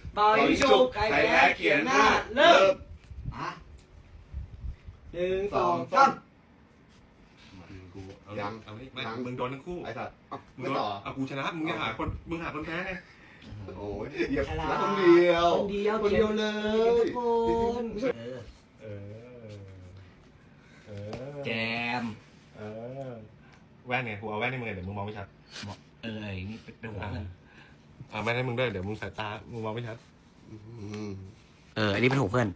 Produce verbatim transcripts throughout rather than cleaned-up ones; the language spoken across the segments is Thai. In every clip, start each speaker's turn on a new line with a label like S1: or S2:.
S1: เป่ายิงฉุบใครแพ้เขียนหน้าเริ่มอ่ะหนึ่งสองสาม
S2: กูเอา
S3: ยัง
S2: เอาไม่ไม่
S3: ยัง
S2: มึงโดนทั้งคู่
S3: ไอ้สัตว์เอ้า
S2: มึง
S3: ไม่
S2: โดน
S3: ต่อ
S2: เอากูชนะมึงจะหาคนมึงหาคนแพ้ไง
S3: โอ้ยเหยียบแล้วคนเดียว
S1: คนเดียว
S3: คนเดียวเลย
S1: ทุกคนเออ
S2: เออเออ
S1: แจม
S2: เออแว่นไงกูเอาแว่นให้มึงเดี๋ยวมึงมองไม่ชัด
S1: เออไอ้นี่เป็นหัวเพื่อน
S2: เอาแว่นให้มึงด้วยเดี๋ยวมึงสายตามึงมองไม่ชัด
S3: อืม
S1: เออไอ้นี่เป็นหัวเพื่อน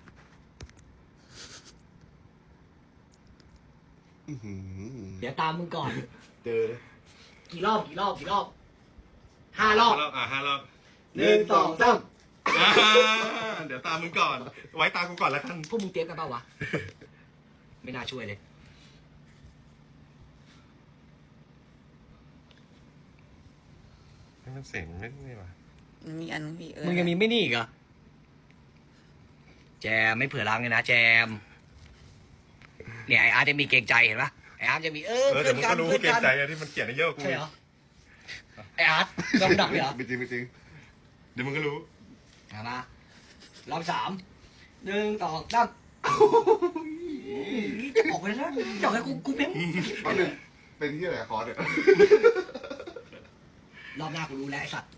S3: อื้อหือ
S1: เดี๋ยวตามมึงก่อน
S3: เจอเลย
S1: กี่รอบกี่รอบกี่รอบห้ารอบ
S2: อ่ะห้ารอบ
S3: หนึ่งสองสาม
S2: อ่าเดี๋ยวตามมึงก่อน ไว้ตามกูก่อนแล้วกัน
S1: พวกมึงเตรียมกันเปล่าวะ ไม่น่าช่วยเลย
S2: ให้มันเสียงไม่ไม่ว่ะ
S4: มีอันมีเออ
S1: มึงยังมีไม่นี่อีกเหรอแจมไม่เผื่อรังเลยนะแจมเนี่ยไออาร์ตจะมีเกรงใจเห็นปะไออาร์ตจะมีเออ
S2: เออ
S1: เพื่
S2: เดี๋
S1: อย
S2: วน มึง
S1: กัน
S2: ก็รู้
S1: เพื่อน
S2: เกรง
S1: กัน
S2: ใจอะที่มันเกลียดเยอะกว่ากู
S1: ใช่เหรอไออาร์ตต้องดักเลยเหรอ
S3: ไม่จริงไม่จริง
S2: เดี๋ยวมึงก็รู้
S1: มามารอบสามหนึ่งสองสามจะออกไปแล้วจะออกไปกูกูเป็น
S3: เอาหนึ่งเป็นที่อะไรคอร์สเนี่ย
S1: รอบหน้ากูรู้แล้วไอสัตว์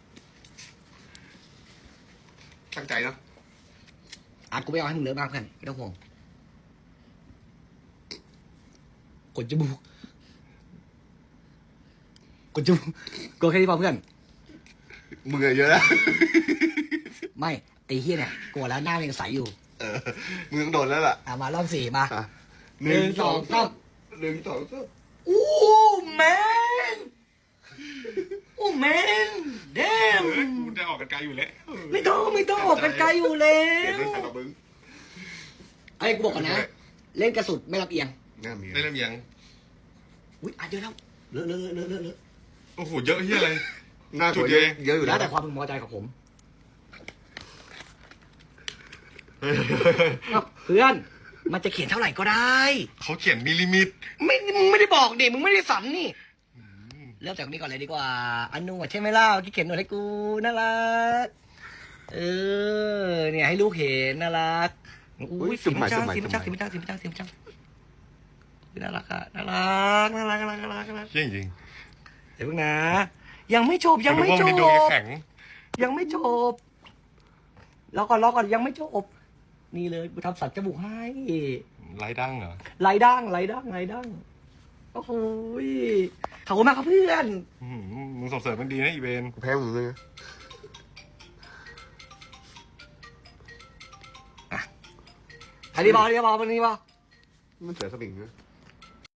S3: ตั้งใจเนาะ
S1: อาร์ตกูไม่เอาให้มึงเลอะมากเพื่อนไม่ต้องห่วงกดจมูกกดจมูกกดแค่นี้พอเพื่อน
S3: มือเยอะนะ
S1: ไม่ไอ้เฮียเนี่ยกลัวแล้วหน้ามันยังใสอยู่
S3: เออมึงต้องโดนแล้วล่ะ
S1: อ่ะมารอบสี่มา
S3: อ่ะ
S1: หนึ่งสองสาม
S3: หนึ่งสองสาม
S1: อู้แมนอู้แมนเดม
S2: เออกูจะออกกันไกลอยู่แล้ว
S1: ไม่ต้องไม่ต้องออกกันไกลอยู่แล้
S3: เก็บ
S1: ว
S3: ไว้ใส่กระบึง
S1: ไอ้กูบอกก่อนนะ เล่นกระสุดไม่รับเอียง
S3: น่ามี
S2: ได้เริ่มยัง
S1: อุ้ยอ่ะเยอะแล้วเลอะเลอะเลอะเลอะเลอะ
S2: โอ้โหเยอะเฮียอะไร
S3: หน้า
S2: จุ
S3: จุ
S2: ด
S3: ด
S2: เดี
S3: เย
S2: ยว
S3: อะเยอะอยู่
S1: แล้
S3: แล้ว ว
S1: แต่ความพึงพอใจของผมอ้าวเพื่อนมันจะเขียนเท่าไหร่ก็ได้
S2: เขาเขียนมิลลิมิต
S1: ไม่มึงไม่ได้บอกดิมึงไม่ได้สันนี่เริ่มจากนี้ก่อนเลยดีกว่า อันนุ่งอ่ะใช่ไหมเล่าที่เขียนหน่อยให้กูน่ารักเออเนี่ยให้ลูกเห็นน่ารักอุ้ยสีมันจ้างสีมันจ้างสีมันจ้างสีมันจ้างสีมันจ้างน่ารักอะน่ารักน่ารักน่ารักน่ารักน่ารัก
S2: เชี่ยจริง
S1: เดี๋ยวเพิ่งนะ ยังไม่จบยังไม่จ
S2: น
S1: บ
S2: เป็นดวงแข็ง
S1: ยังไม่จบรอก่อนรอก่อนยังไม่จบนี่เลยกูทำสัตว์จมูกให้
S2: ไร้ดั้งเหรอ
S1: ไหลดั้งไหลดั้งไหลดั้งโอ้โหยขอบคุณมากครับเพื่อน
S2: อื้อหือมึงส่งเสริมมันดีนะอีเวน
S3: แพ้ผมเลย
S1: อันนี้บอลอันนี้บอลอันนี้บอล
S3: มันเสือสมิงนะ